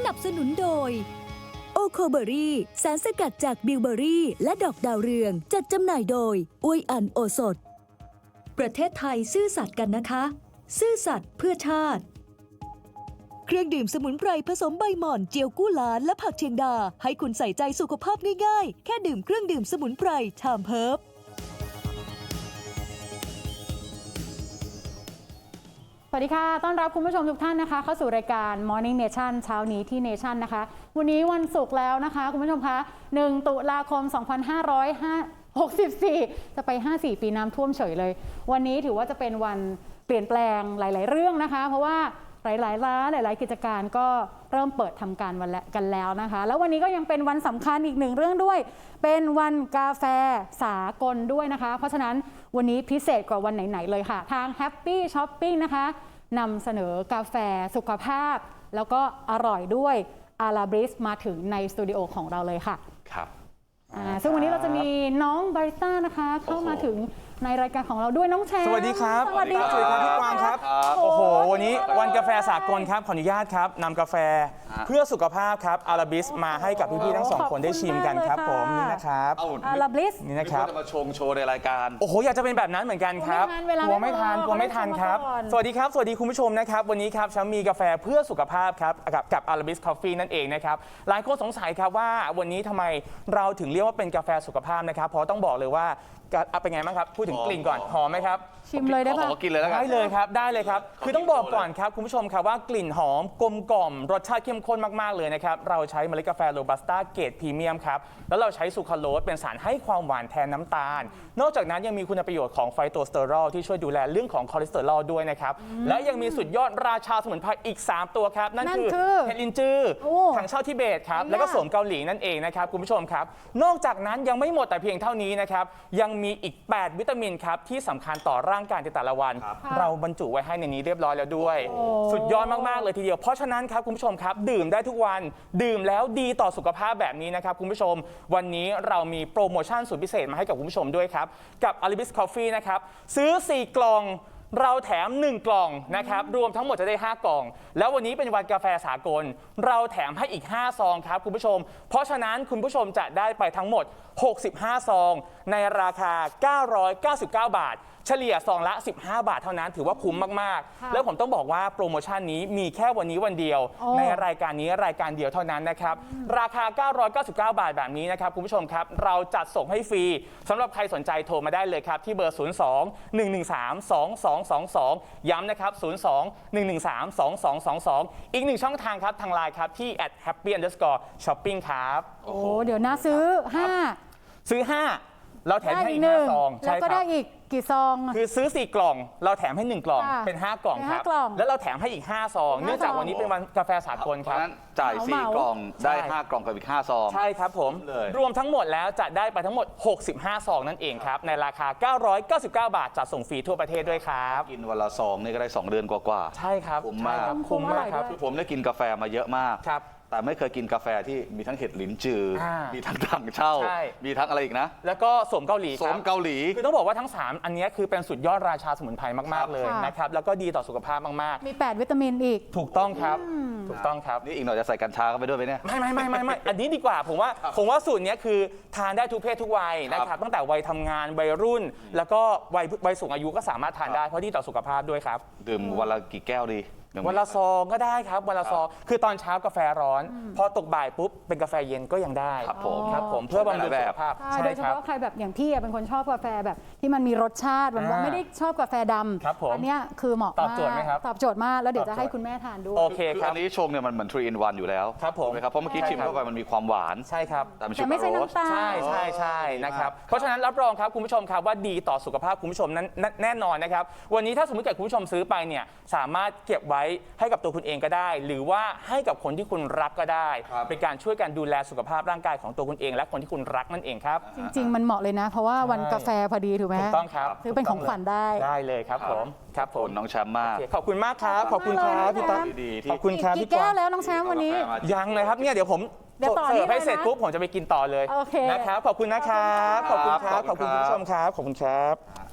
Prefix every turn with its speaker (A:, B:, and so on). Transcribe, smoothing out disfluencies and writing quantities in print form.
A: นับสนุนโดยโอโคเบอรี่สารสกัดจากบิวเบอรี่และดอกดาวเรืองจัดจำหน่ายโดยอวยอันโอสถประเทศไทยซื่อสัตย์กันนะคะ ซื่อสัตย์เพื่อชาติเครื่องดื่มสมุนไพรผสมใบหม่อนเจียวกู้หลานและผักเชียงดาให้คุณใส่ใจสุขภาพง่ายๆแค่ดื่มเครื่องดื่มสมุนไพรชามเพิร์บ
B: สวัสดีค่ะต้อนรับคุณผู้ชมทุกท่านนะคะเข้าสู่รายการ Morning Nation เช้านี้ที่ Nation นะคะวันนี้วันศุกร์แล้วนะคะคุณผู้ชมคะ1 ตุลาคม 2564 จะไป 54 ปีน้ำท่วมเฉยเลยวันนี้ถือว่าจะเป็นวันเปลี่ยนแปลงหลายๆเรื่องนะคะเพราะว่าหลายๆร้านหลายๆกิจการก็เริ่มเปิดทำการกันแล้วนะคะแล้ววันนี้ก็ยังเป็นวันสำคัญอีกหนึ่งเรื่องด้วยเป็นวันกาแฟสากลด้วยนะคะเพราะฉะนั้นวันนี้พิเศษกว่าวันไหนๆเลยค่ะทาง Happy Shopping นะคะนำเสนอกาแฟสุขภาพแล้วก็อร่อยด้วยอาราบริสมาถึงในสตูดิโอของเราเลยค่ะ
C: ครับ
B: ซึ่งวันนี้เราจะมีน้องบาริสต้านะคะเข้ามาถึงในรายการของเราด้วยน้องแชมป์
D: สวัสดีครับ
B: สวัสดีครับ
D: พี่กวางครับโอ้โหวันนี้วันกาแฟสากลครับขออนุญาตครับนำกาแฟเพื่อสุขภาพครับอาราบิสมาให้กับพี่ๆทั้งสองคนได้ชิมกันครับผมนี่นะครับ
B: อาราบิส
D: นี่นะครับ
C: จะมาโชว์ในรายการ
D: โอ้โหอยากจะเป็นแบบนั้นเหมือนกันครับกลัวไม่ทันครับสวัสดีครับสวัสดีคุณผู้ชมนะครับวันนี้ครับฉันมีกาแฟเพื่อสุขภาพครับกับอาราบิสคอฟฟี่นั่นเองนะครับหลายคนสงสัยครับว่าวันนี้ทำไมเราถึงเรียกว่าเป็นกาแฟสุขภาพนะครับเพราะต้องบอกเลยว่าเป็นไงบ้างครับพูดถึงกลิ่นก่อนหอมไหมครับ
B: ชิมเลยได้ป่ะ
C: ขอกินเลยแล้วกัน
D: ได้เลยครับได้เลยครับคือต้องบอกก่อนครับคุณผู้ชมครับว่ากลิ่นหอมกลมกล่อมรสชาติเข้มข้นมากๆเลยนะครับเราใช้เมล็ดกาแฟโรบัสต้าเกรดพรีเมียมครับแล้วเราใช้ซูคราโลสเป็นสารให้ความหวานแทนน้ำตาลนอกจากนั้นยังมีคุณประโยชน์ของไฟโตสเตอรอลที่ช่วยดูแลเรื่องของคอเลสเตอรอลด้วยนะครับและยังมีสุดยอดราชาสมุนไพรอีก3ตัวครับนั่นคือเห็ดลินจือถังเช่าทิเบตครับแล้วก็โสมเกาหลีนั่นเองนะครับคุณผู้ชมครับนอกจากนั้นยังไม่หมดแต่เพียงเท่านี้นะครับยังมีอีก8วิตามินครับที่สำคัญต่อร่างกายในแต่ละวันเราบรรจุไว้ให้ในนี้เรียบร้อยแล้วด้วยสุดยอดมากๆเลยทีเดียวเพราะฉะนั้นครับคุณผู้ชมครับดื่มได้ทุกวันดื่มแล้วดีต่อสุขภาพแบบนี้นะครับคุณผู้ชมวันนี้เรามีโปรโมชั่นสุดพิเศษมาให้กับคุณผู้ชมด้วยครับกับ Arabis Coffee นะครับซื้อ4 กล่องเราแถม1 กล่องนะครับรวมทั้งหมดจะได้5 กล่องแล้ววันนี้เป็นวันกาแฟสากลเราแถมให้อีก5 ซองครับคุณผู้ชมเพราะฉะนั้นคุณผู้ชมจะได้ไปทั้งหมด65 ซองในราคา999 บาทเฉลี่ยซองละ15 บาทเท่านั้นถือว่าคุ้มมากๆแล้วผมต้องบอกว่าโปรโมชั่นนี้มีแค่วันนี้วันเดียวในรายการนี้รายการเดียวเท่านั้นนะครับราคา999 บาทแบบนี้นะครับคุณผู้ชมครับเราจัดส่งให้ฟรีสำหรับใครสนใจโทรมาได้เลยครับที่เบอร์ 02-113-2222 ย้ำนะครับ 02-113-2222 อีก1ช่องทางครับทางไลน์ครับที่ @happy_shopping ครับ
B: โอ้เดี๋ยวนะซื้อ5
D: เราแถมให้อีก5 ซอง
B: แล้วก็ได้อีกกี่ซอง
D: คือซื้อ4 กล่องเราแถมให้1 กล่องเป็น5 กล่องครับแล้วเราแถมให้อีก5 ซองเนื่องจากวันนี้เป็นวันกาแฟสากลครับ
C: จ่าย4 กล่องได้5 กล่องกับอีก5 ซอง
D: ใช่ครับผมรวมทั้งหมดแล้วจะได้ไปทั้งหมด65 ซองนั่นเองครับในราคา999 บาทจัดส่งฟรีทั่วประเทศด้วยครับ
C: กินวันละซองนี่ก็ได้2 เดือนกว่า
D: ๆใช่ครับ
C: คุ้มมาก
D: ครับ
C: ผมได้กินกาแฟมาเยอะมาก
D: ครับ
C: แต่ไม่เคยกินกาแฟที่มีทั้งเห็ดหลินจือมีทั้งถังเช่ามีทั้งอะไรอีกนะ
D: แล้วก็โสมเกาหลีคือต้องบอกว่าทั้ง3อันนี้คือเป็นสุดยอดราชาสมุนไพรมากๆเลยนะครับแล้วก็ดีต่อสุขภาพมาก
B: ๆมี8 วิตามินอีก
D: ถูกต้องครับถูกต้องครับ
C: นี่อีกหน่อยจะใส่กัญชาเข้าไปด้วยไหมเนี่ย
D: ไม่อันนี้ดีกว่าผมว่าสูตรนี้คือทานได้ทุกเพศทุกวัยนะครับตั้งแต่วัยทำงานวัยรุ่นแล้วก็วัยสูงอายุก็สามารถทานได้เพราะดีต่อสุขภาพด้วยครับ
C: ดื่มวันละกี่แก้วดี
D: วันละซองก็ได้ครับวันละซองคือตอนเช้ากาแฟร้อนพอตกบ่ายปุ๊บเป็นกาแฟเย็นก็ยังได้
C: ครับ
D: ผมเพื่อบำรุงสุขภาพ
B: โดยเฉพาะใครแบบอย่างพี่เป็นคนชอบกาแฟแบบที่มันมีรสชาติแบบว่าไม่ได้ชอบกาแฟดำอันนี้คือเหมาะมากตอบโจทย์ไหมครับตอบโจทย์มากแล้วเดี๋ยวจะให้คุณแม่ทานด้วย
D: โอเคครับ
C: อันนี้ชงเนี่ยมันเหมือน 3 in 1อยู่แล้ว
D: ครับผม
C: เพราะเมื่อกี้ชิมเข้าไปมันมีความหวาน
D: ใช่ครับ
C: แต่
B: ไม่ใช่น้ำตาล
D: ใช่นะครับเพราะฉะนั้นรับรองครับคุณผู้ชมครับว่าดีต่อสุขภาพคุณผู้ชมนั้นแน่นอนนะครับวันนี้ถ้าสมมติเกิดคุณผู้ชมซื้อไปเนี่ยสามารถเก็บไว้ให้กับตัวคุณเองก็ได้หรือว่าให้กับคนที่คุณรักก็ได้เป็นการช่วยกันดูแลสุขภาพร่างกายของตัวคุณเองและคนที่คุณรักนั่นเองครับ
B: จริงๆมันเหมาะเลยนะเพราะว่าวันกาแฟพอดีถูกไหม
D: ถูกต้องครับ
B: ซื้อเป็นของขวัญได้
D: เลยครับผม
C: น้องแชมป์มาก
D: ขอบคุณมากครับขอบคุณครับพี่ต๊อบขอบคุณครับ
B: พี่แก้วแล้วน้องแชมป์วันนี้
D: ยังเลยครับเนี่ยเดี๋ยวผมเสิร์ฟให้เสร็จปุ๊บผมจะไปกินต่อเลยนะครับขอบคุณนะครับขอบคุณครับขอบคุณคุณผู้ชมครับขอบคุณครับ